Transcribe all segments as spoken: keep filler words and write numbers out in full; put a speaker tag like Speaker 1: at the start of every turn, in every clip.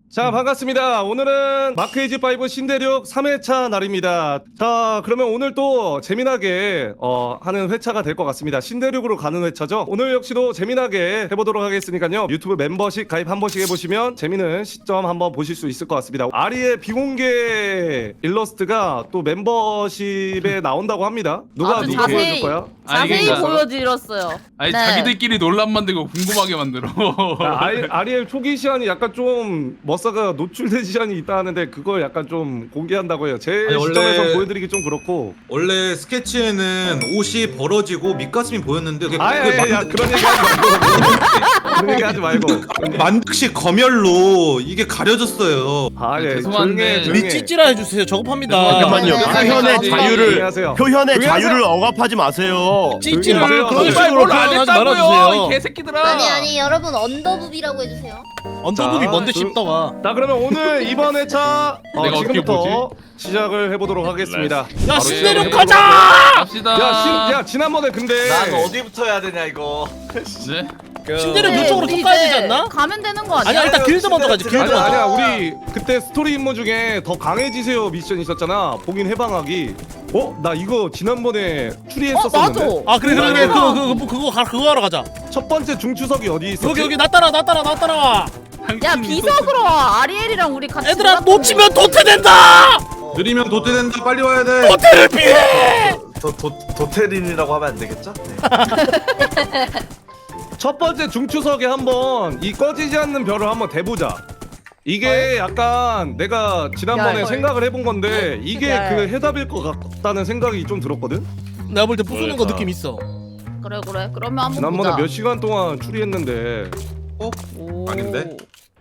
Speaker 1: 자, 반갑습니다. 오늘은 마크에이지 파이브 신대륙 삼 회차 날입니다. 자, 그러면 오늘 또 재미나게 어, 하는 회차가 될 것 같습니다. 신대륙으로 가는 회차죠. 오늘 역시도 재미나게 해보도록 하겠으니까요. 유튜브 멤버십 가입 한 번씩 해보시면 재미는 시점 한번 보실 수 있을 것 같습니다. 아리의 비공개 일러스트가 또 멤버십에 나온다고 합니다. 누가
Speaker 2: 아주
Speaker 1: 누구
Speaker 2: 자세히-
Speaker 1: 보여줄 거야?
Speaker 2: 자세히
Speaker 3: 아니, 그러니까-
Speaker 2: 보여드렸어요.
Speaker 3: 아니
Speaker 2: 네.
Speaker 3: 자기들끼리 논란 만들고 궁금하게 만들어.
Speaker 1: 자, 아리, 아리엘 초기 시간이 약간 좀 머싸가 노출된 시간이 있다 하는데 그걸 약간 좀 공개한다고 해요. 제
Speaker 4: 아니,
Speaker 1: 시점에서
Speaker 4: 원래-
Speaker 1: 보여드리기 좀 그렇고.
Speaker 4: 원래 스케치에는 옷이 벌어지고 밑가슴이 보였는데 그게
Speaker 1: 아야,
Speaker 4: 그게
Speaker 1: 야,
Speaker 4: 만-
Speaker 1: 그런 얘기 하지 말고. 그런 얘기 하지 말고.
Speaker 4: 만득식 검열로 이게 가려졌어요.
Speaker 1: 아, 예.
Speaker 3: 죄송한데
Speaker 1: 조용해, 조용해.
Speaker 5: 우리 찌찌라 해주세요. 저급합니다.
Speaker 3: 잠깐만요.
Speaker 2: 네, 네,
Speaker 6: 표현의
Speaker 2: 네.
Speaker 6: 자유를
Speaker 1: 안녕하세요.
Speaker 6: 표현의
Speaker 1: 조용히
Speaker 6: 자유를
Speaker 1: 하세요.
Speaker 6: 억압하지 마세요.
Speaker 5: 찌찌를
Speaker 1: 조용히
Speaker 5: 그런
Speaker 1: 하세요.
Speaker 5: 식으로
Speaker 3: 뭘안
Speaker 5: 표현하지
Speaker 3: 했다고요, 이
Speaker 5: 말아주세요.
Speaker 3: 개새끼들아.
Speaker 7: 아니 아니 여러분 언더부비라고 해주세요.
Speaker 5: 언더북이
Speaker 1: 자,
Speaker 5: 뭔데
Speaker 1: 그-
Speaker 5: 씹다가.
Speaker 1: 자, 그러면 오늘 이번 회차 어,
Speaker 3: 내가 어떻게
Speaker 1: 지금부터 시작을 해보도록 하겠습니다.
Speaker 5: 야
Speaker 1: 바로
Speaker 5: 신대륙
Speaker 1: 시작을
Speaker 5: 가자!
Speaker 3: 갑시다.
Speaker 1: 야, 신, 야, 지난번에 근데.
Speaker 8: 난 어디부터 해야 되냐 이거.
Speaker 3: 네.
Speaker 5: 신대륙
Speaker 2: 네,
Speaker 5: 이쪽으로
Speaker 2: 우리
Speaker 5: 쭉 가야
Speaker 2: 이제
Speaker 5: 되지 않나?
Speaker 2: 가면 되는 거 아니야?
Speaker 5: 아니야 일단 길드 먼저 가지. 길드
Speaker 1: 아니야,
Speaker 5: 먼저.
Speaker 1: 아니야. 우리 그때 스토리 임무 중에 더 강해지세요 미션 있었잖아. 봉인 해방하기. 어? 나 이거 지난번에
Speaker 2: 어
Speaker 1: 추리했었었는데.
Speaker 2: 맞아.
Speaker 5: 아 그래 그래 그래
Speaker 2: 맞아.
Speaker 5: 그거 그거 그거 그거 가- 그거 하러 가자.
Speaker 1: 첫 번째 중추석이 어디 있었지?
Speaker 5: 여기 여기 나 따라 나 따라 나 따라와.
Speaker 2: 야 비석으로 와. 아리엘이랑 우리 같이.
Speaker 5: 얘들아
Speaker 2: 놀았던
Speaker 5: 놓치면
Speaker 2: 거.
Speaker 5: 도태된다.
Speaker 4: 느리면 도태된다. 빨리 와야 돼.
Speaker 5: 도태를 피해.
Speaker 8: 도, 도, 도테린이라고 하면 안 되겠죠? 네.
Speaker 1: 첫 번째 중추석에 한번 이 꺼지지 않는 별을 한번 대보자. 이게 약간 내가 지난번에
Speaker 2: 야,
Speaker 1: 생각을 해본 건데 이게
Speaker 2: 야, 야.
Speaker 1: 그 해답일 것 같다는 생각이 좀 들었거든?
Speaker 5: 내가 볼 때 부수는 거 느낌 있어.
Speaker 2: 그래 그래. 그러면 한번
Speaker 1: 지난번에
Speaker 2: 보자.
Speaker 1: 몇 시간 동안 추리했는데
Speaker 4: 어?
Speaker 2: 오.
Speaker 4: 아닌데?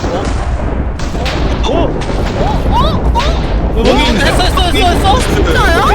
Speaker 5: 뭐 했어 했어 했어 했어.
Speaker 2: 진짜야?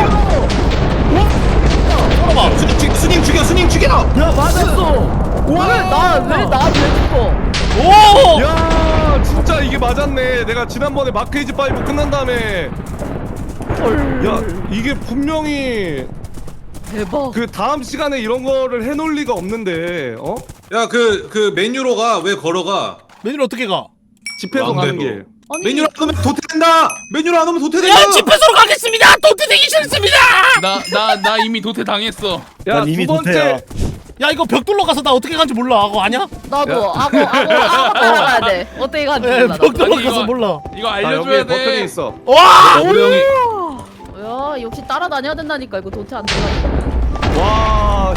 Speaker 5: 봐봐.
Speaker 4: 스님, 죽- 스님 죽여. 스님 죽여.
Speaker 1: 야 맞았어!
Speaker 2: 왜나왜나왜 죽어?
Speaker 5: 오.
Speaker 1: 야 진짜 이게 맞았네. 내가 지난번에 마크에이지 파이브 끝난 다음에 야 이게 분명히
Speaker 2: 대박.
Speaker 1: 그 다음 시간에 이런 거를 해놓을 리가 없는데 어?
Speaker 4: 야 그 그 메뉴로 가. 왜 걸어가?
Speaker 5: 메뉴를 어떻게 가?
Speaker 1: 집회소 가는
Speaker 4: 왕대로.
Speaker 1: 길.
Speaker 2: 아니
Speaker 4: 메뉴로 안 오면 도태된다. 메뉴로 안 오면 도태된다.
Speaker 5: 야 집회소로 가겠습니다. 도태되기 싫습니다.
Speaker 3: 나 나 나 이미 도태 당했어.
Speaker 1: 야
Speaker 6: 난 이미
Speaker 1: 두 번째
Speaker 6: 도태야.
Speaker 5: 야 이거 벽돌로 가서 나 어떻게 가는지 몰라. 그거 아냐?
Speaker 2: 나도 악어 악어 악어 따라가야 돼. 어떻게 가는지
Speaker 5: 예,
Speaker 2: 몰라. 나도.
Speaker 5: 벽돌로
Speaker 3: 아니,
Speaker 5: 가서
Speaker 3: 이거-
Speaker 5: 몰라.
Speaker 3: 이거
Speaker 1: 아,
Speaker 3: 알려줘야
Speaker 1: 여기에 버튼이
Speaker 3: 돼.
Speaker 1: 있어.
Speaker 5: 와.
Speaker 4: 우리 형이
Speaker 2: 야 역시 따라다녀야 된다니까 이거 도태 안 된다니까.
Speaker 1: 와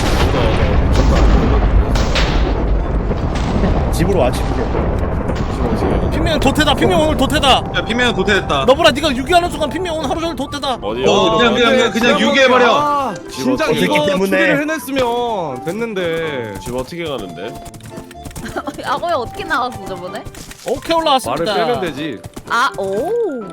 Speaker 6: 집으로 와 집으로.
Speaker 5: 핑명 도태다. 핑명 오늘 도태다.
Speaker 4: 야 피면 도태됐다.
Speaker 5: 너보라 네가 유기하는 순간 핑명 오늘 하루 종일 도태다.
Speaker 6: 어디요?
Speaker 4: 어, 그냥 그냥 그냥, 그냥 유기해버려.
Speaker 1: 아, 진작
Speaker 6: 어떻게
Speaker 1: 이거
Speaker 6: 때문에.
Speaker 1: 추리를 해냈으면 됐는데
Speaker 6: 집 어떻게 가는데?
Speaker 2: 악어야 어떻게 나갔어 저번에?
Speaker 5: 오케이
Speaker 1: 말을
Speaker 5: 올라왔습니다.
Speaker 1: 빼면 되지.
Speaker 2: 아 오.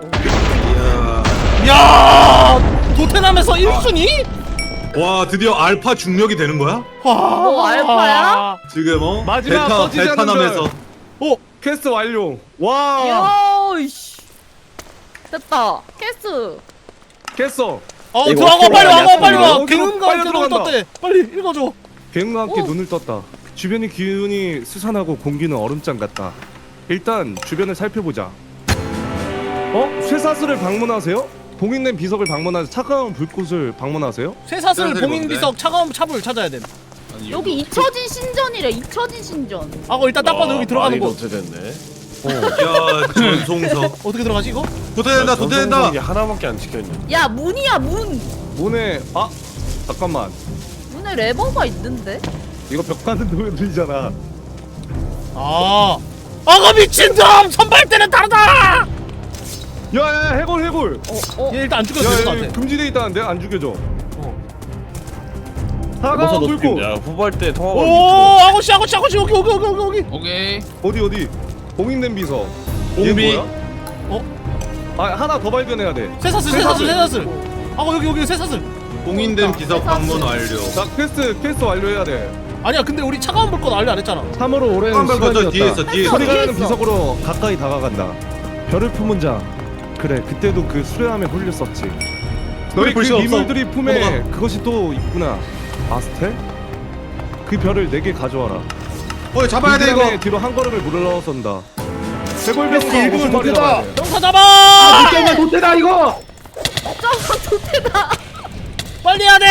Speaker 4: 이야.
Speaker 5: 야 도태남에서 일 순위?
Speaker 4: 와 드디어 알파 중력이 되는 거야?
Speaker 5: 와.
Speaker 2: 뭐, 알파야?
Speaker 4: 지금 어?
Speaker 1: 마지막
Speaker 4: 베타
Speaker 1: 꺼지지 않는
Speaker 4: 베타남에서
Speaker 5: 오.
Speaker 1: 퀘스트 완료. 와
Speaker 2: 야 이씨. 됐다. 캐스.
Speaker 1: 깼어.
Speaker 5: 어
Speaker 6: 이거
Speaker 5: 들어가
Speaker 6: 어떻게
Speaker 5: 빨리 와
Speaker 6: 알았어,
Speaker 5: 빨리 와.
Speaker 1: 이거.
Speaker 5: 개운과
Speaker 1: 빨리
Speaker 5: 함께 눈을
Speaker 1: 들어간다.
Speaker 5: 떴대. 빨리 읽어줘.
Speaker 1: 갱과 함께
Speaker 2: 오.
Speaker 1: 눈을 떴다. 주변의 기운이 스산하고 공기는 얼음장 같다. 일단 주변을 살펴보자. 어? 쇠사슬을 방문하세요? 봉인된 비석을 방문하세요? 차가운 불꽃을 방문하세요?
Speaker 5: 쇠사슬
Speaker 4: 쇠사슬이
Speaker 5: 봉인
Speaker 4: 뭔데?
Speaker 5: 비석 차가운 찹을 찾아야 돼.
Speaker 3: 아니,
Speaker 2: 여기 잊혀진 신전이래. 잊혀진 신전.
Speaker 5: 아고 일단 딱 봐도 여기 들어가는 곳.
Speaker 6: 도태됐네.
Speaker 4: 야 전송석
Speaker 5: 어떻게 들어가지 이거?
Speaker 4: 도태된다 도태된다.
Speaker 6: 하나밖에 안 지켰네.
Speaker 2: 야 문이야 문.
Speaker 1: 문에 아 잠깐만
Speaker 2: 문에 레버가 있는데?
Speaker 1: 이거 벽 가는 소리 들리잖아.
Speaker 5: 아. 아가 미친놈! 선발대는 다르다!
Speaker 1: 야야 해골 해골.
Speaker 2: 어 어.
Speaker 5: 얘 일단 안 죽여도 될 것
Speaker 1: 야, 야
Speaker 5: 같아.
Speaker 1: 금지돼 있다는데 안 죽여줘.
Speaker 5: 어.
Speaker 1: 차가운 불꽃
Speaker 6: 야 후보할 때 통화
Speaker 5: 오,
Speaker 6: 걸고.
Speaker 5: 아고씨, 아고씨, 아고씨, 여기, 여기, 여기, 여기, 여기.
Speaker 3: 오케이.
Speaker 1: 어디 어디? 봉인된 비석. 얘
Speaker 4: 공비.
Speaker 1: 뭐야?
Speaker 5: 어?
Speaker 1: 아 하나 더 발견해야 돼.
Speaker 5: 쇠사슬, 쇠사슬, 쇠사슬. 아고 여기, 여기 쇠사슬.
Speaker 4: 봉인된 비석 방문 완료.
Speaker 1: 자 퀘스트 퀘스트 완료해야 돼.
Speaker 5: 아니야, 근데 우리 차가운 불꽃 알려 안 했잖아.
Speaker 1: 참으로 오랜
Speaker 4: 한번
Speaker 1: 시간이었다.
Speaker 4: 거저 뒤에 있어 뒤에 있어.
Speaker 1: 소리가 나는
Speaker 2: 뒤에 있어.
Speaker 1: 비석으로 가까이 다가간다. 별을 품은 자. 그래 그때도 그 수레함에 홀렸었지. 너희 그
Speaker 6: 볼 수 없어.
Speaker 1: 미물들이 품에
Speaker 4: 넘어가.
Speaker 1: 그것이 또 있구나. 아스텔? 그 별을 내게 가져와라.
Speaker 4: 어 잡아야 돼
Speaker 1: 그
Speaker 4: 이거.
Speaker 1: 뒤로 한 걸음을 물러선다. 대골병사
Speaker 6: 일본
Speaker 1: 오십 마리
Speaker 6: 도태다.
Speaker 1: 잡아야 돼.
Speaker 5: 병사 잡아!
Speaker 6: 이게 도태다 이거.
Speaker 2: 점프 도태다.
Speaker 5: 빨리 해야 돼!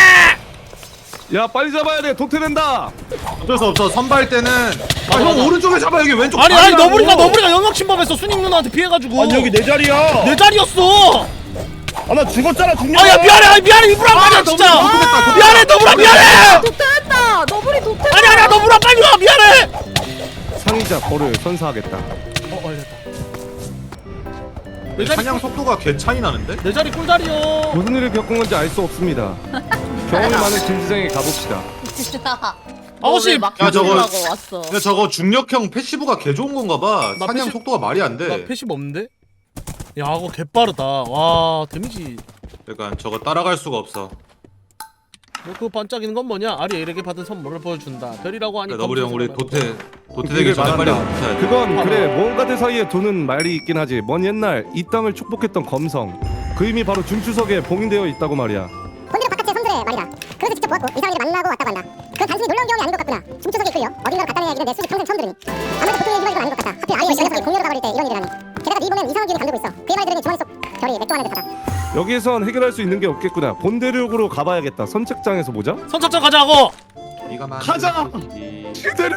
Speaker 1: 야 빨리 잡아야 돼. 도태된다.
Speaker 4: 어쩔 수 없어. 선발 때는 아, 형
Speaker 5: 맞아.
Speaker 4: 오른쪽에 잡아. 여기 왼쪽.
Speaker 5: 아니 아니
Speaker 4: 다리라고.
Speaker 5: 너구리가 너구리가 영역 침범했어. 순익 누나한테 피해가지고.
Speaker 6: 아니 여기 내 자리야.
Speaker 5: 내 자리였어.
Speaker 6: 아 나 죽었잖아 죽냐.
Speaker 5: 아야 미안해 아니, 미안해 이브라 말이야 진짜.
Speaker 4: 너구리,
Speaker 5: 미안해 너구라 미안해.
Speaker 2: 도태했다. 너구리 도태다.
Speaker 5: 아니 아니야 너구라 빨리 와 미안해.
Speaker 1: 상의자 벌을 선사하겠다.
Speaker 5: 어 알렸다. 내 자리
Speaker 4: 사냥 속도가 개 차이 나는데?
Speaker 5: 내 자리 꿀자리요.
Speaker 1: 무슨 일을 겪은 건지 알 수 없습니다. 경험이 많은 김지성에 가봅시다.
Speaker 5: 아오씨
Speaker 2: 막
Speaker 4: 야, 저거-
Speaker 2: 하고 왔어.
Speaker 4: 근데 저거 중력형 패시브가 개 좋은 건가 봐.
Speaker 5: 나
Speaker 4: 사냥
Speaker 5: 패시-
Speaker 4: 속도가 말이 안 돼.
Speaker 5: 나 패시브 없는데? 야 이거 개빠르다. 와 데미지.
Speaker 4: 그러니까 저거 따라갈 수가 없어.
Speaker 5: 뭐 그 반짝이는 건 뭐냐? 아리엘에게 받은 선물을 보여준다. 별이라고 하니.
Speaker 4: 그러니까 너구리 형 우리
Speaker 5: 검색을
Speaker 4: 도태 도태되기
Speaker 1: 그게
Speaker 4: 전에 빨리
Speaker 1: 말한다.
Speaker 4: 도태해야 돼.
Speaker 1: 그건 그래 모험가들 사이에 도는 말이 있긴 하지. 먼 옛날 이 땅을 축복했던 검성. 그 힘이 바로 중추석에 봉인되어 있다고 말이야.
Speaker 9: 본대로 바깥의 선들의 말이다. 그래서 직접 보았고 이상한 일을 만나고 왔다고 한다. 그건 단순히 놀라운 경험이 아닌 것 같구나. 중추석에 이끌려 어딘가로 갔다는 이야기는 내 수십 평생 처음 들으니 아무래도 보통의 일반인은 아닌 것 같다. 하필 아이의 녀석이 공유로 가버릴 때 이런 일을 하니. 게다가 네 몸엔 이상한 기운이 감돌고 있어. 그의 말 들으니 주머니 속 별이 맥주 하나 듯하다.
Speaker 1: 여기에선 해결할 수 있는 게 없겠구나. 본대륙으로 가봐야겠다. 선착장에서 보자.
Speaker 5: 선착장 가자고.
Speaker 4: 네가 만든
Speaker 1: 가자!
Speaker 4: 소식이-
Speaker 1: 신대륙!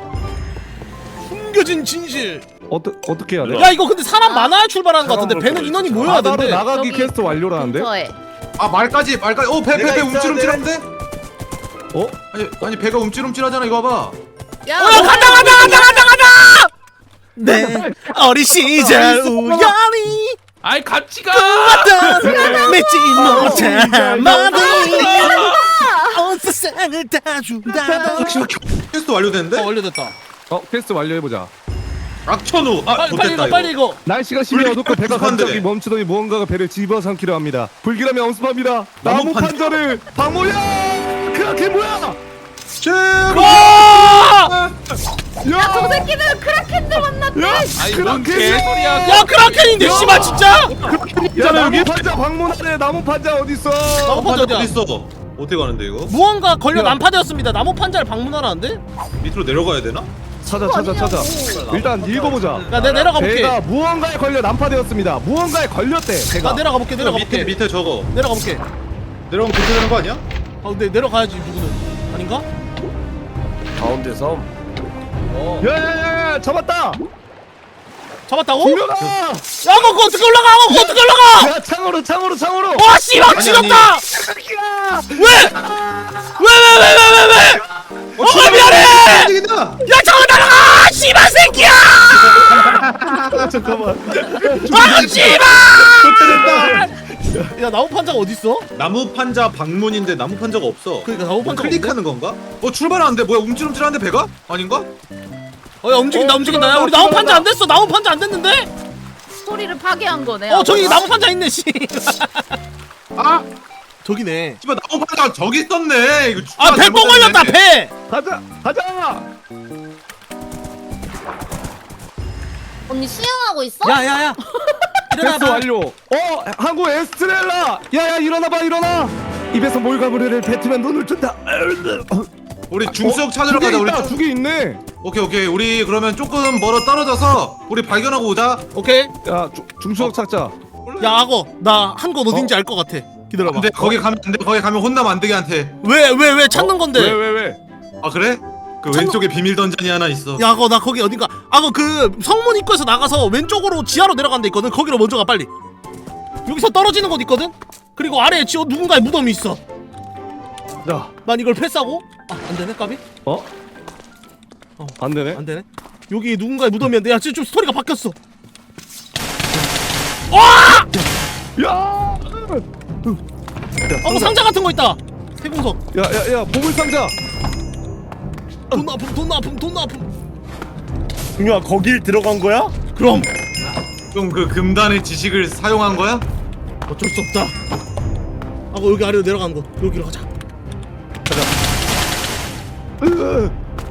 Speaker 5: 숨겨진 진실.
Speaker 1: 어떠, 어떻게 해야 돼?
Speaker 5: 야 이거 근데 사람 많아야 출발하는 것 같은데 배는 인원이 모여야
Speaker 1: 바다로
Speaker 5: 된대.
Speaker 1: 나가기
Speaker 2: 저기
Speaker 1: 퀘스트 완료라는데?
Speaker 2: 근처에.
Speaker 4: 아 말까지 말까지. 어 배 배
Speaker 8: 내가
Speaker 4: 배
Speaker 8: 있어야
Speaker 4: 움찔움찔한데?
Speaker 1: 어?
Speaker 4: 아니 아니 배가 움찔움찔하잖아. 이거 봐봐.
Speaker 2: 야,
Speaker 5: 어, 야, 간다 간다 간다 간다 간다. 네 어린 시절 우연히
Speaker 3: 아이 같이 가.
Speaker 5: 왔던 맺지 못한 마음이 온 세상을 다 준다던.
Speaker 4: 퀘스트 완료됐는데?
Speaker 5: 어 완료됐다.
Speaker 1: 어 퀘스트 완료해보자.
Speaker 4: 악천후. 아
Speaker 5: 빨리 빨리
Speaker 4: 좋됐다
Speaker 5: 이거 빨리
Speaker 4: 이거.
Speaker 5: 이거.
Speaker 1: 날씨가 심히
Speaker 4: 불길
Speaker 1: 어둡고 배가
Speaker 4: 급한데.
Speaker 1: 갑자기 멈추더니 무언가가 배를 집어삼키려 합니다. 불길함이 엄습합니다. 나무
Speaker 4: 나무 판자.
Speaker 1: 판자를 방모야! 그게 뭐야?
Speaker 5: 와!
Speaker 2: 야, 저 새끼들 크라켄들 만났대.
Speaker 1: 야!
Speaker 3: 아이 뭔
Speaker 1: 크라켄이야!
Speaker 3: 개소리야.
Speaker 5: 야 크라켄인데 씨발 진짜.
Speaker 1: 야 나무 판자 방문하네. 나무 판자 어딨어?
Speaker 5: 나무 판자
Speaker 4: 어디
Speaker 5: 어디야?
Speaker 4: 있어? 어떻게 가는데 이거?
Speaker 5: 무언가 걸려
Speaker 1: 야.
Speaker 5: 난파되었습니다. 나무 판자를 방문하라는데?
Speaker 4: 밑으로 내려가야 되나?
Speaker 1: 찾아 찾아 찾아. 일단 읽어보자.
Speaker 5: 야 내가 내려가 볼게.
Speaker 1: 배가 무언가에 걸려 난파되었습니다. 무언가에 걸렸대.
Speaker 5: 나
Speaker 1: 배가.
Speaker 5: 내려가 볼게. 내려가
Speaker 4: 밑에
Speaker 5: 볼게.
Speaker 4: 밑에 저거
Speaker 5: 내려가 볼게.
Speaker 4: 내려가면 그렇게 되는 거 아니야?
Speaker 5: 아 근데 내려가야지 누구는 아닌가?
Speaker 6: 가운데 섬.
Speaker 1: 야야야 잡았다.
Speaker 5: 잡았다고?
Speaker 1: 분명아.
Speaker 5: 야 그거 그거 어떻게 올라가? 그거 어떻게 올라가?
Speaker 1: 야 창으로 창으로 창으로.
Speaker 5: 와 씨발
Speaker 4: 아니,
Speaker 5: 지렸다. 왜? 왜 왜 왜 왜 왜 왜? 어 미안해.
Speaker 4: 움직인다.
Speaker 5: 야 잠깐 날아가! 씨발 새끼야!
Speaker 1: 잠깐만.
Speaker 5: 아 씨발! 야 나무 판자가 어디 있어?
Speaker 4: 나무 판자 방문인데 나무 판자가 없어.
Speaker 5: 그러니까 나무
Speaker 4: 뭐
Speaker 5: 판자가
Speaker 4: 클릭하는 건가? 어 출발하는데 뭐야 움찔움찔한데 배가? 아닌가?
Speaker 5: 어야 움직인다
Speaker 1: 어,
Speaker 5: 움직인다. 야
Speaker 1: 들어간다,
Speaker 5: 우리 나무 판자
Speaker 1: 들어간다.
Speaker 5: 안 됐어. 나무 판자 안 됐는데?
Speaker 2: 스토리를 파괴한 거네.
Speaker 5: 어 저기
Speaker 2: 아버가.
Speaker 5: 나무 판자 있네 씨.
Speaker 4: 아
Speaker 5: 저기네.
Speaker 4: 씨발 나무 판자 저기 있었네. 이거
Speaker 5: 아 배 똥 걸렸다 배.
Speaker 1: 가자 가자.
Speaker 7: 언니 수영하고 있어?
Speaker 5: 야야야.
Speaker 1: 퀘스트
Speaker 5: 일어나봐.
Speaker 1: 완료. 어 한국 에스트렐라. 야야 일어나봐 일어나. 입에서 몰가무리를 뱉으면 눈을 뜬다.
Speaker 4: 우리 중수역 찾으러
Speaker 1: 두개
Speaker 4: 가자. 우리
Speaker 1: 있다.
Speaker 4: 좀-
Speaker 1: 두개 있네.
Speaker 4: 오케이 오케이 우리 그러면 조금 멀어 떨어져서 우리 발견하고 오자.
Speaker 5: 오케이.
Speaker 1: 야 주, 중수역 찾자.
Speaker 5: 야 악어 나 한 곳 어딘지 알 것 같아. 기다려봐.
Speaker 4: 근데 거기 가면 안돼. 거기 가면 혼나면 안 되게 한테.
Speaker 5: 왜 왜 왜 찾는 건데?
Speaker 1: 왜 왜 왜?
Speaker 4: 아 그래? 그
Speaker 5: 참고-
Speaker 4: 왼쪽에 비밀 던전이 하나 있어.
Speaker 5: 야 악어 나 거기 어딘가 악어 그 성문 입구에서 나가서 왼쪽으로 지하로 내려가는 데 있거든. 거기로 먼저 가 빨리. 여기서 떨어지는 곳 있거든. 그리고 아래에 지어 누군가의 무덤이 있어.
Speaker 1: 자.
Speaker 5: 난 이걸 패스하고 아 안되네 까비?
Speaker 1: 어?
Speaker 5: 어.
Speaker 1: 안 되네.
Speaker 5: 안되네. 여기 누군가의 무덤이었는데 야 지금 좀 스토리가 바뀌었어. 와!
Speaker 1: 야!
Speaker 5: 어 상자 같은 거 있다. 세공석.
Speaker 1: 야야야 보물 상자.
Speaker 5: 돈 아픔 돈 아픔 돈 아픔.
Speaker 6: 중요한 거길 들어간 거야?
Speaker 5: 그럼
Speaker 4: 그럼 그 금단의 지식을 사용한 거야?
Speaker 5: 어쩔 수 없다. 하고 여기 아래로 내려가는 곳 여기로 가자.
Speaker 1: 으.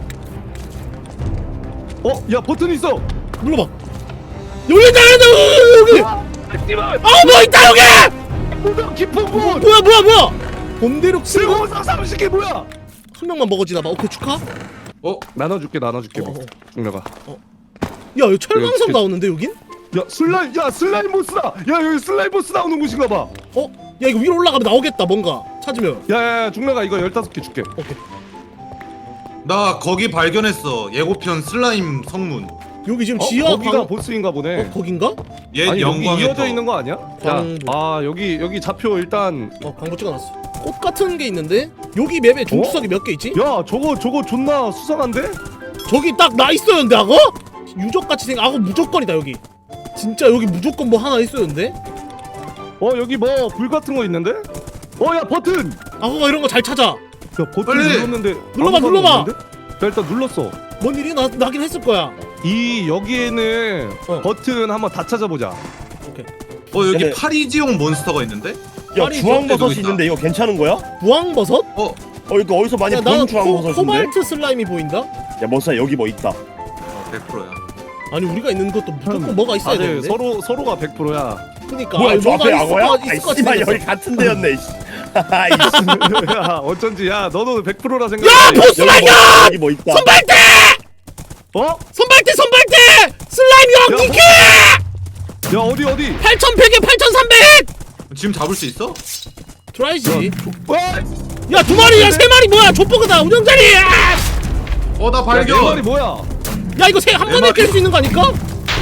Speaker 1: 어? 야 버튼 있어.
Speaker 5: 눌러봐. 여기 있다 여기 있다 여기. 아뭐 있다 여기.
Speaker 1: 무덤 깊은 곳.
Speaker 5: 뭐야 뭐야 뭐야. 봄대륙 쓰고
Speaker 1: 세공사 삼식이 뭐야?
Speaker 5: 한 명만 먹어지나 봐. 오케이 축하.
Speaker 4: 어?
Speaker 1: 나눠줄게 나눠줄게.
Speaker 5: 어, 어.
Speaker 1: 중려가.
Speaker 5: 야 여기 철광석
Speaker 1: 여기
Speaker 5: 나오는데 여긴?
Speaker 1: 야 슬라임 야 슬라임 보스다. 야 여기 슬라임 보스 나오는 곳인가 봐.
Speaker 5: 어? 야 이거 위로 올라가면 나오겠다 뭔가 찾으면.
Speaker 1: 야야야 중래가 이거 열다섯 개 줄게.
Speaker 5: 오케이.
Speaker 4: 나 거기 발견했어. 예고편 슬라임 성문.
Speaker 5: 여기 지금
Speaker 1: 어,
Speaker 5: 지하
Speaker 1: 거기가
Speaker 5: 방...
Speaker 1: 보스인가 보네.
Speaker 5: 어 거긴가?
Speaker 4: 얘
Speaker 1: 아니 여기
Speaker 4: 영광의
Speaker 1: 이어져
Speaker 4: 터.
Speaker 1: 있는 거 아니야?
Speaker 5: 광부.
Speaker 1: 야, 아 여기 여기 좌표 일단.
Speaker 5: 어 광고 찍어놨어. 꽃 같은 게 있는데 여기 맵에 중추석이 몇 개 있지?
Speaker 1: 야 저거 저거 존나 수상한데?
Speaker 5: 저기 딱 나 있었는데 악어? 유적같이 생긴 악어 무조건이다 여기. 진짜 여기 무조건 뭐 하나 있었는데?
Speaker 1: 어 여기 뭐 불 같은 거 있는데? 어 야 버튼!
Speaker 5: 악어가 이런 거 잘 찾아.
Speaker 1: 야 버튼
Speaker 4: 빨리!
Speaker 1: 눌렀는데
Speaker 5: 눌러봐,
Speaker 1: 아무
Speaker 5: 눌러봐!
Speaker 1: 상관 없는데? 야 일단 눌렀어.
Speaker 5: 뭔 일이 나, 나긴 했을 거야.
Speaker 1: 이 여기에는
Speaker 5: 어.
Speaker 1: 버튼 한번 다 찾아보자.
Speaker 5: 오케이.
Speaker 4: 어 여기
Speaker 6: 얘네-
Speaker 4: 파리지용 몬스터가 있는데?
Speaker 6: 야
Speaker 5: 아니,
Speaker 6: 주황버섯이
Speaker 4: 저기 있다.
Speaker 6: 있는데 이거 괜찮은 거야?
Speaker 5: 부황버섯?
Speaker 4: 어
Speaker 6: 어 이거 어디서 많이
Speaker 5: 야
Speaker 6: 본
Speaker 5: 나는 코,
Speaker 6: 주황버섯인데?
Speaker 5: 코발트 슬라임이 보인다?
Speaker 6: 야 머싸 여기 뭐 있다.
Speaker 4: 백 퍼센트야.
Speaker 5: 아니 우리가 있는 것도 무조건 뭐가 있어야
Speaker 1: 다들
Speaker 5: 되는데?
Speaker 1: 서로 서로가 백 퍼센트야.
Speaker 5: 그니까
Speaker 6: 뭐야
Speaker 5: 아니,
Speaker 6: 저
Speaker 5: 뭐가
Speaker 6: 앞에
Speaker 5: 있을
Speaker 6: 악어야?
Speaker 5: 거-
Speaker 6: 아이
Speaker 5: 있을 것
Speaker 6: 씨발
Speaker 5: 같아
Speaker 6: 여기 같은 데였네. 씨. 아이씨.
Speaker 1: 야 어쩐지 야 너도 백 퍼센트라
Speaker 5: 야
Speaker 1: 생각해.
Speaker 5: 보스
Speaker 6: 여기
Speaker 5: 발견!
Speaker 6: 뭐, 여기 뭐 있다.
Speaker 5: 선발대!
Speaker 1: 어?
Speaker 5: 선발대 선발대! 슬라임
Speaker 1: 야,
Speaker 5: 영티키!
Speaker 1: 야 어디 어디?
Speaker 5: 팔천백에 팔천삼백!
Speaker 4: 지금 잡을 수 있어?
Speaker 5: 트라이지.
Speaker 1: 와!
Speaker 5: 야 두 마리야 세 마리 뭐야 족보그다 운영자리!
Speaker 4: 어 나
Speaker 1: 야, 내
Speaker 4: 발견.
Speaker 1: 말이 뭐야?
Speaker 5: 야 이거 세 한
Speaker 4: 내
Speaker 5: 번에
Speaker 4: 말이-
Speaker 5: 깰 수 있는 거 아닐까?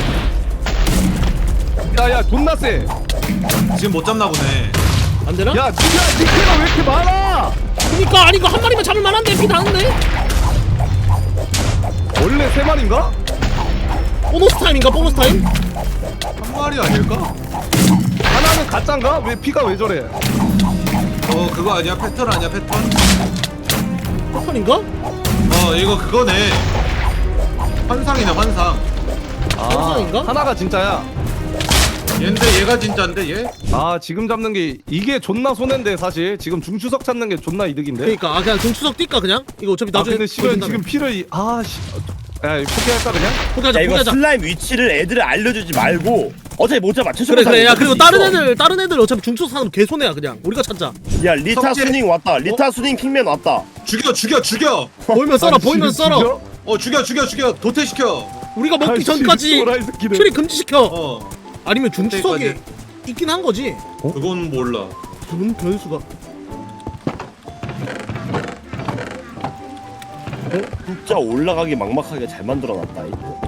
Speaker 1: 야야 존나 세.
Speaker 4: 지금 못 잡나 보네.
Speaker 5: 안 되나?
Speaker 1: 야 니가 니가 왜 이렇게 많아?
Speaker 5: 그니까 아니 이거 한 마리만 잡을 만한데 피 나는데?
Speaker 1: 원래 세 마리인가?
Speaker 5: 보너스 타임인가 보너스 타임?
Speaker 4: 한 마리 아닐까?
Speaker 1: 하나는 가짜인가? 왜 피가 왜 저래?
Speaker 4: 어 그거 아니야? 패턴 아니야 패턴?
Speaker 5: 패턴인가?
Speaker 4: 어 이거 그거네. 환상이네 환상.
Speaker 5: 정상인가?
Speaker 1: 하나가 진짜야.
Speaker 4: 얘인데 얘가 진짜인데 얘?
Speaker 1: 아 지금 잡는 게 이게 존나 손해인데 사실 지금 중추석 찾는 게 존나 이득인데.
Speaker 5: 그니까 아 그냥 중추석 뛸까 그냥? 이거 어차피
Speaker 1: 아
Speaker 5: 나중에
Speaker 1: 근데 시간
Speaker 5: 보여준다며.
Speaker 1: 지금 피를 이- 아 씨. 야 이거 포기할까 그냥?
Speaker 5: 포기하자
Speaker 6: 야 이거
Speaker 5: 포기하자.
Speaker 6: 슬라임 위치를 애들을 알려주지 말고 어차피 못 잡아. 최소
Speaker 5: 그래 그래 야 그리고 다른 애들 다른 애들 어차피 중추석 사는 개손해야 그냥 우리가 찾자.
Speaker 6: 야 리타
Speaker 4: 석재.
Speaker 6: 수닝 왔다. 리타 수닝 킹맨 왔다.
Speaker 4: 죽여 죽여 죽여.
Speaker 5: 보이면 썰어
Speaker 1: 아,
Speaker 5: 보이면
Speaker 1: 지금
Speaker 5: 썰어.
Speaker 1: 죽여?
Speaker 4: 어 죽여 죽여 죽여 도태시켜.
Speaker 5: 우리가 먹기
Speaker 1: 아이씨,
Speaker 5: 전까지
Speaker 1: 또라이 새끼들.
Speaker 5: 출입 금지시켜.
Speaker 4: 어
Speaker 5: 아니면 중추석이
Speaker 4: 그때까지.
Speaker 5: 있긴 한 거지.
Speaker 4: 그건 몰라.
Speaker 5: 그건 변수가.
Speaker 6: 진짜 올라가기 막막하게 잘 만들어놨다. 이거.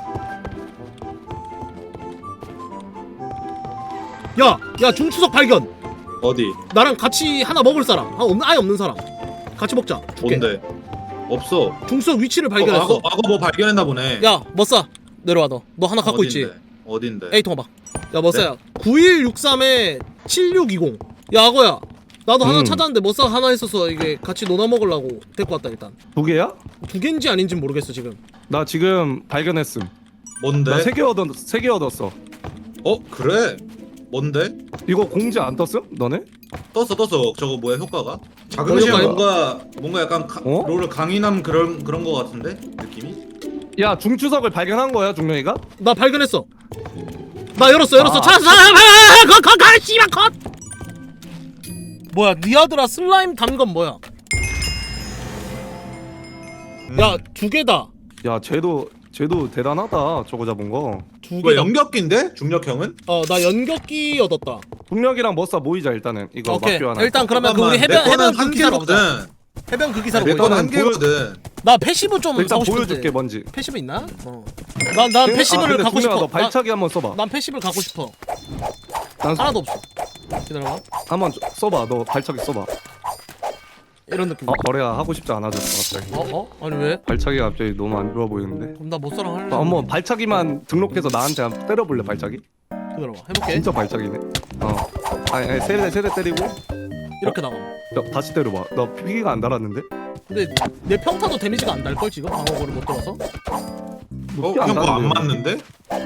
Speaker 5: 야, 야 중추석 발견.
Speaker 4: 어디?
Speaker 5: 나랑 같이 하나 먹을 사람. 아 없는 아예 없는 사람. 같이 먹자. 줄게.
Speaker 4: 뭔데? 없어.
Speaker 5: 중추석 위치를
Speaker 4: 어,
Speaker 5: 발견했어.
Speaker 4: 악어 악어 뭐 발견했나 보네.
Speaker 5: 야, 머싸 내려와 너. 너 하나 갖고 있지.
Speaker 4: 어딘데?
Speaker 5: 에이 통화 봐. 야 머싸야. 구일육삼에 칠육이공. 야 악어야. 나도 하나
Speaker 1: 음.
Speaker 5: 찾았는데 머싸가 하나 있어서 이게 같이 논아 먹으려고 데리고 왔다 일단.
Speaker 1: 두 개야?
Speaker 5: 두 개인지 아닌지 모르겠어 지금.
Speaker 1: 나 지금 발견했음.
Speaker 4: 뭔데?
Speaker 1: 나 세 개 얻었 세 개 얻었어.
Speaker 4: 어 그래? 뭔데?
Speaker 1: 이거 공지 안 떴음? 너네?
Speaker 4: 떴어 떴어. 저거 뭐야 효과가? 자금시에
Speaker 5: 효과요?
Speaker 4: 뭔가 뭔가 약간 가,
Speaker 1: 어?
Speaker 4: 롤을 강인함 그런 그런 거 같은데 느낌이?
Speaker 1: 야 중추석을 발견한 거야 중령이가?
Speaker 5: 나 발견했어. 나 열었어 열었어.
Speaker 1: 아.
Speaker 5: 찾았어. 컷컷컷 씨발 컷. 뭐야 니아드라 슬라임 담건 뭐야?
Speaker 4: 음.
Speaker 5: 야 두 개다.
Speaker 1: 야 쟤도 쟤도 대단하다 저거 잡은 거.
Speaker 5: 두
Speaker 4: 뭐
Speaker 5: 개다.
Speaker 4: 연격기인데? 중력형은?
Speaker 5: 어 나 연격기 얻었다.
Speaker 1: 중력이랑 머싸 모이자 일단은 이거
Speaker 5: 오케이.
Speaker 1: 막교 하나.
Speaker 5: 일단 그러면 그 우리
Speaker 4: 잠깐만,
Speaker 5: 해변
Speaker 4: 내 거는
Speaker 5: 해변 그
Speaker 4: 한
Speaker 5: 기사로 보자.
Speaker 4: 개거든.
Speaker 5: 해변 그 기사로
Speaker 4: 내
Speaker 5: 보자.
Speaker 4: 거는 한
Speaker 1: 일단은
Speaker 4: 개거든.
Speaker 5: 나 패시브 좀
Speaker 1: 일단
Speaker 5: 사고 싶은데.
Speaker 1: 보여줄게 뭔지.
Speaker 5: 패시브 있나? 어. 난 난
Speaker 1: 아,
Speaker 5: 패시브를
Speaker 1: 근데
Speaker 5: 갖고
Speaker 1: 중령아,
Speaker 5: 싶어.
Speaker 1: 너 발차기 한번 써봐.
Speaker 5: 난, 난 패시브를 갖고 싶어.
Speaker 1: 난
Speaker 5: 하나도 없어. 기다려봐.
Speaker 1: 한번 줘- 써봐. 너 발차기 써봐.
Speaker 5: 이런 느낌.
Speaker 1: 어 거래야 하고 싶지 않아졌어 갑자기.
Speaker 5: 어? 어? 아니 왜?
Speaker 1: 발차기가 갑자기 너무 안 좋아 보이는데.
Speaker 5: 그럼 나 못사랑 할래.
Speaker 1: 어, 한번 발차기만 등록해서 나한테 한번 때려볼래 발차기?
Speaker 5: 기다려봐. 해볼게.
Speaker 1: 진짜 발차기네. 어. 아니, 아니 세대 세대 때리고.
Speaker 5: 이렇게 나가.
Speaker 1: 야, 다시 때려봐. 나 피기가 안 달았는데?
Speaker 5: 근데 내 평타도 데미지가 안 날 걸 지금 방어구를 못 들어서.
Speaker 4: 어? 형 그거 안 맞는데?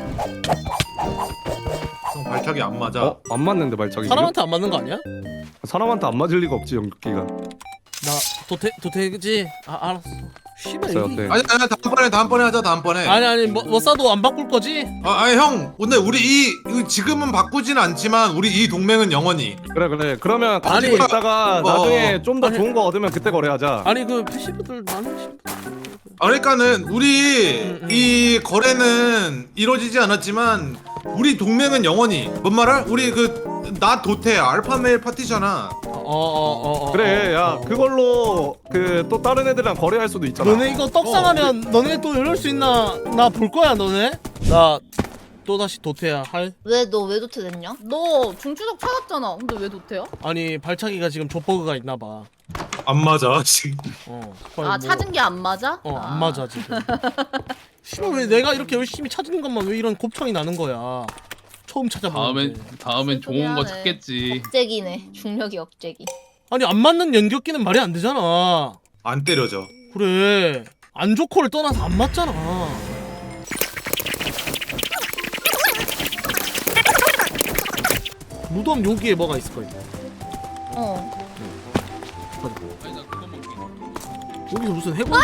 Speaker 4: 형 발차기 안 맞아.
Speaker 1: 어? 안 맞는데 발차기.
Speaker 5: 사람한테 안 맞는 거 아니야?
Speaker 1: 지금? 사람한테 안 맞을 리가 없지 연기가.
Speaker 5: 나 도태 도태지. 아 알았어. 씨발
Speaker 1: 어때,
Speaker 5: 여기.
Speaker 1: 어때?
Speaker 4: 아니 아니 다음번에 다음번에 하자 다음번에.
Speaker 5: 아니 아니 뭐, 뭐 싸도 안 바꿀 거지?
Speaker 4: 아, 아니 형 근데 우리 이 이거 지금은 바꾸지는 않지만 우리 이 동맹은 영원히.
Speaker 1: 그래 그래. 그러면 가지고
Speaker 5: 아니,
Speaker 1: 있다가
Speaker 4: 어,
Speaker 1: 나중에 좀 더
Speaker 5: 아니.
Speaker 1: 좋은 거 얻으면 그때 거래하자.
Speaker 5: 아니 그 피씨분들 많으신.
Speaker 4: 아, 그러니까는 우리
Speaker 5: 음, 음.
Speaker 4: 이 거래는 이루어지지 않았지만 우리 동맹은 영원히. 뭔 말할? 우리 그 나 도태 알파메일 파티잖아.
Speaker 5: 어어어 어,
Speaker 1: 그래 야
Speaker 5: 어.
Speaker 1: 그걸로 그 또 다른 애들이랑 거래할 수도 있잖아.
Speaker 5: 너네 이거 떡상하면 너네 또 이럴 수 있나? 나 볼 거야 너네. 나 또 다시 도태야 할.
Speaker 7: 왜 너 왜 도태 됐냐?
Speaker 2: 너 중추적 찾았잖아. 근데 왜 도태야?
Speaker 5: 아니 발차기가 지금 족버그가 있나 봐.
Speaker 4: 안 맞아 지금.
Speaker 5: 어.
Speaker 2: 아 찾은 게 안 맞아?
Speaker 5: 어,
Speaker 2: 아.
Speaker 5: 안 맞아 지금. 씨발 왜 내가 이렇게 열심히 찾은 것만 왜 이런 곱창이 나는 거야? 처음
Speaker 3: 다음엔
Speaker 5: 찾아보는데.
Speaker 3: 다음엔 좋은 거
Speaker 2: 미안해.
Speaker 3: 찾겠지.
Speaker 7: 억제기네. 중력이 억제기.
Speaker 5: 아니 안 맞는 연격기는 말이 안 되잖아.
Speaker 4: 안 때려져.
Speaker 5: 그래. 안 좋고를 떠나서 안 맞잖아. 무덤 여기에 뭐가 있을 거야.
Speaker 7: 어.
Speaker 3: 아니 나 그거 먹게.
Speaker 5: 여기서 무슨 해골?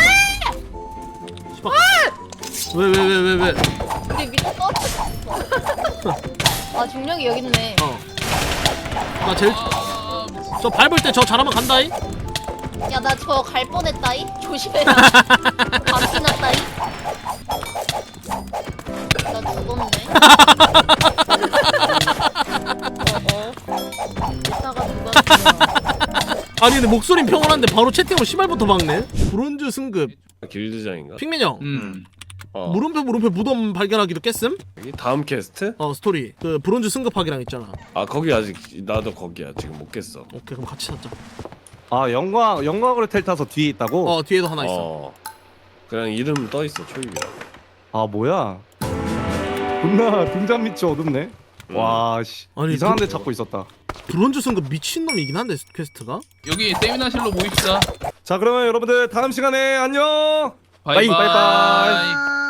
Speaker 5: 왜 왜 왜 왜 왜?
Speaker 7: 우리 밑에 떨어졌어. 아 중력이 여기 있네.
Speaker 5: 어. 나 제일
Speaker 3: 아, 미친.
Speaker 5: 저 밟을 때 저 잘하면 간다이.
Speaker 7: 야 나 저 갈 뻔했다이. 조심해라. 바퀴 났다이. 나 죽었네.
Speaker 2: 이따가 누가 죽여.
Speaker 5: 아니 근데 목소린 평온한데 바로 채팅으로 시발부터 박네. 브론즈 승급.
Speaker 6: 길드장인가?
Speaker 5: 핑맨 형.
Speaker 3: 음.
Speaker 6: 어.
Speaker 5: 물음표 물음표 무덤 발견하기도 깼음?
Speaker 6: 여기 다음 캐스트?
Speaker 5: 어 스토리 그 브론즈 승급하기랑 있잖아.
Speaker 6: 아 거기 아직 나도 거기야. 지금 못 깼어.
Speaker 5: 오케이 그럼 같이 찾자.
Speaker 1: 아 영광 영광으로 텔 타서 뒤에 있다고?
Speaker 5: 어 뒤에도 하나 있어.
Speaker 6: 어. 그냥 이름 떠 있어 초입이라고.
Speaker 1: 아 뭐야? 존나 등잔 밑이 어둡네.
Speaker 6: 음.
Speaker 1: 와씨
Speaker 5: 아니,
Speaker 1: 이상한
Speaker 5: 그-
Speaker 1: 데 찾고 있었다.
Speaker 5: 브론즈 승급 미친놈이긴 한데 퀘스트가.
Speaker 3: 여기 세미나실로 모입시다.
Speaker 1: 자 그러면 여러분들 다음 시간에 안녕.
Speaker 3: 바이바이.
Speaker 1: 바이바이.
Speaker 7: 아.